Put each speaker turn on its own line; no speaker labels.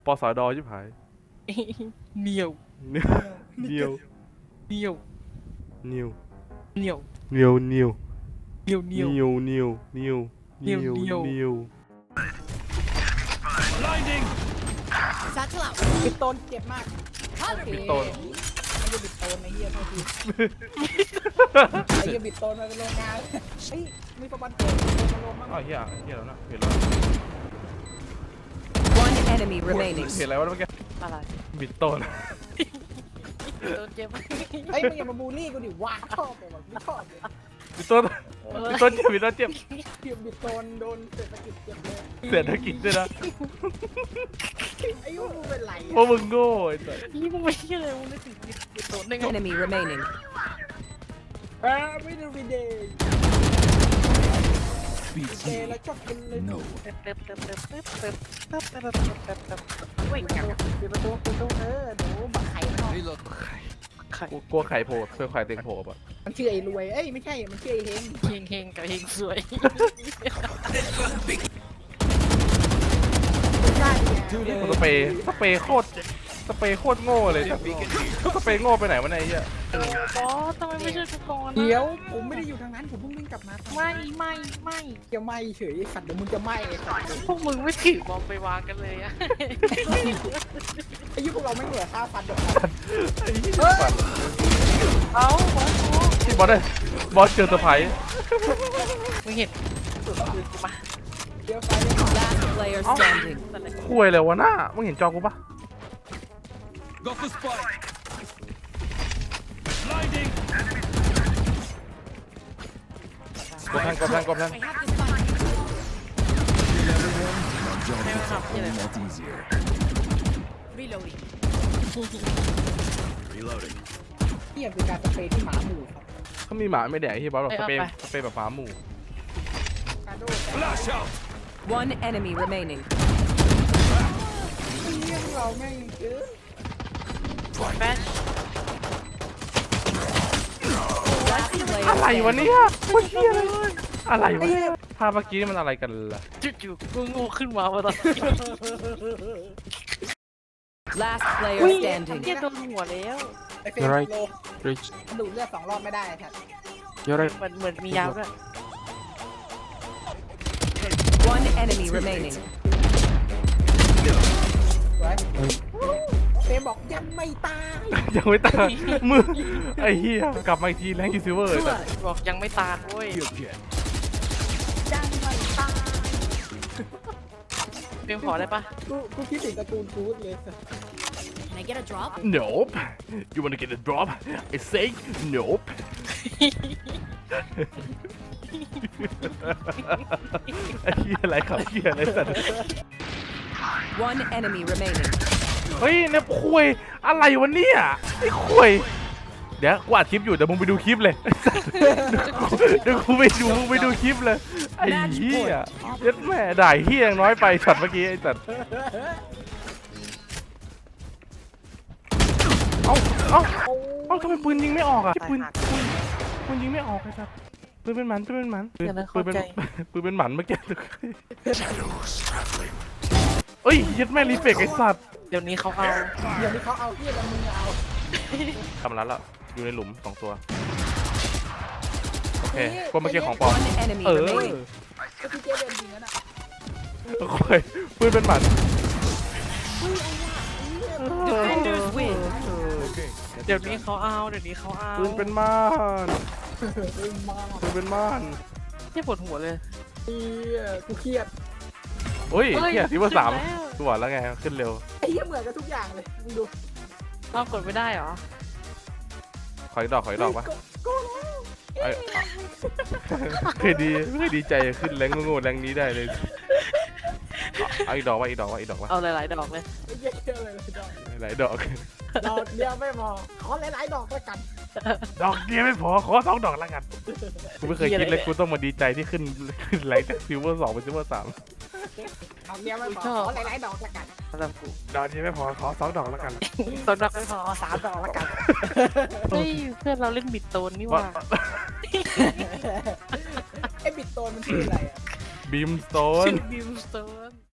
ปสดชิบหาย
เหนียว
เนียว
เหนียว
เนียว
เหนียว
เนียวเนียว
เหนียวเหนียว
เนียวเนียวเนียวเนียวเนียว
Satchel out.
บิดโตนเจ็บมากโอเค
บิดโตน
ไม่ใช่บิดโตนไอ้เหี้ยเท่าทีไอ้เหี้ยบิดโตนมาเป็นโรงงานเฮ้ยมีประมาณเกิดมาลงบ้าง
อ้าวเฮียแล้วนะเห็นแล้ว
One enemy remaining.
เห็นอะไรวะเมื่อกี้
อะไร
บิดโตน
โดนเจ็บ
เฮ้ยมึงอย่ามาบูลลี่กูดิว้าชอบเลยแบบไม่ชอบเลย
บิดโตนบิดโตนเจ็บบิดโตนเจ็บ
เกี่ยวบิดโตนโดนเศรษฐกิจเจ็บเลย
เศรษฐกิจด้วยนะ
ไอ้ยูมึงเป็นไร
เพราะมึงโง่ไอ้สัส
นี่มึงไม่ใช่เลยมึงนึกถึงโดนได้ไง
Enemy remaining.
ไม่ดูวีเดย์เดย์แล้วชอบกินเลย
เว้ยกัน
ปิดประตูหนูบักไข่มันออก
ไข่
กูกลัวไข่โผล่เพื่อไข่เต็งโผล่ป่ะ
มันชื่อไอ้รวยเอ้ยไม่ใช่มันชื่อไอ้เฮง
เฮงเฮงกับเฮงสวย
ไม่ใช่
กูสเปรย์โคตรโง่เลยสเปรย์โง่ไปไหนวะเนี่ยไอ้เหี้ย
บอสทำไมไม่ช่วยกูก่อนนะ
เดี๋ยวผมไม่ได้อยู่ทางนั้นผมเพิ่งวิ่งกลับมา
ไม่
จะไหม้เฉยสัตว์เดี๋ยวมึงจะไหม้ไอ้สัตว์
พวกมึงไม่ถือบอมไปวางกันเลยอะ
ไอ้ยุคพวกเราไม่เหลือ5,000ดอก
ไอ้เหี้ยสัส
เอาบอส
ที่บอสได้บอสเจอเซอร์ไพรส์
มึงเห็นสุดคือกูมา
เดี๋ยวไฟเลย
Last player standing.
คุยเลยวะหน้ามึงเห็นจอกูปะ
Got the spike. Blinding.
กดแทง
I have the spike.
Not easier.
Reloading.
Reloading.
นี่คือการสเปรย์ที่หมาหมู่ครับ
เขามีหมาไม่แดกที่บอสแบบสเปรย์แบบหมาหมู่
กาโด
Flash out.
One enemy remaining.
เรื่องเราแม่งเออ
แฟช
Last player
อะไรวะ
standing.
เนี่ยมันเหี้ยอะไรวะภาพเมื่อกี้มันอะไรกันล่ะ
จู่ๆกูงูขึ้นมาว่าตอน
Last player
นี้
standing.
เหี้ยโดนหัวแล้ว
ไอเฟรมโล
Reach.
มันดูดเลือด2 รอบไม่ได้ครับ
You're right.
เหมือนมียาวด้วย
One enemy remaining.
สวยเฟรมบอกยังไม่ตาย
ยังไม่ตายมือไอ้เหี้ยกลับมาอีกทีแรงยูซิเวอร์
บอกยังไม่ตายเว้ย
ยังไม่ตาย
เพียงขอได้ปะ
กูคิดถึงการ์ตูนคูดเลย
Can I get a drop?
Nope you wanna get a drop I say nope ไอ้เหี้ยอะไรครับเหี้ยอะไรสัตว์
One enemy remaining.
เฮ้ยเนี่ยคุยอะไรวะเนี่ยไอ้คุยเดี๋ยวกูอัดคลิปอยู่เดี๋ยวมึงไปดูคลิปเลยเดี๋ยวกูไปดูมึงไปดูคลิปเลยไอ้เหี้ยเย็ดแม่ด่าเหี้ยยังน้อยไปช็อตเมื่อกี้ไอ้สัตว์เอ้าทำไมปืนยิงไม่ออกอ่ะปืนยิงไม่ออกไอ้สัตว์ปืนเป็นหมันปืนเป็นหมันเมื่อกี้เอ้ยเย็ดแม่รีเฟกไอ้สัตว์
เดี๋ยวนี้เขาเอา
เดี๋ยวนี้เขาเอาเพี้ยแล้วมึงเอา
ทำร้านแล้วอยู่ในหลุม2 ตัวโอเคก็เมื่อกี้ของปลอม
One enemy
เออ
remaining.
ก็พี่เจเดินจริงนั่นอ่ะ
โอ้ยปืนเป็นหมัน
Defenders win.
เดี๋ยวนี้เขาเอาเดี๋ยวนี้เขาเอา
ปืนเป็นม่าน
มา
ปืนเป็นม่าน
เหี้ยปวดหัวเลย
เฮียกูเครียด
โอ้ย
เฮ้ย
เฮียที่ว่า
ขึ้น
3
แล้ว
กูบอกแล้วไงขึ้นเร็ว
ไอ้เหี้ยเหมือนกันทุกอย่างเลยมึงดู
เอากดไม่ได้เหรอ
ขออีกดอกปะ
ก็แล้ว
ไอ้เคยดีใจขึ้นแรงโง่ๆแรงนี้ได้เลยเอาอีกดอกวะ
เอาหลายๆดอกเลย
ไอ้เหี้ยเยอะเลยดอก
หลายดอก
ดอกเดียวไม่พอขอหลายๆดอกแล้วกัน
ดอกเดียวไม่พอขอ2 ดอกแล้วกันกูไม่เคยคิดเลยกูต้องมาดีใจที่ขึ้นแรงจากซิลเวอร์2เป็นซิลเวอร์3
ดอกเดียวไม่พอขอหลายๆดอกแล้วกัน
สำหรับกู
ดอกเดียวไม่พอขอ2 ดอกแล้วกัน
สำหรับไม่พอ
ขอ3 ดอกแล้วกัน
เฮ้ยเพื่อนเราเล่นบิดโตนนี่หว่า
ไอ้บิดโตนมันชื่ออะไรอ่ะ
บีมสโตน
บิวสโตน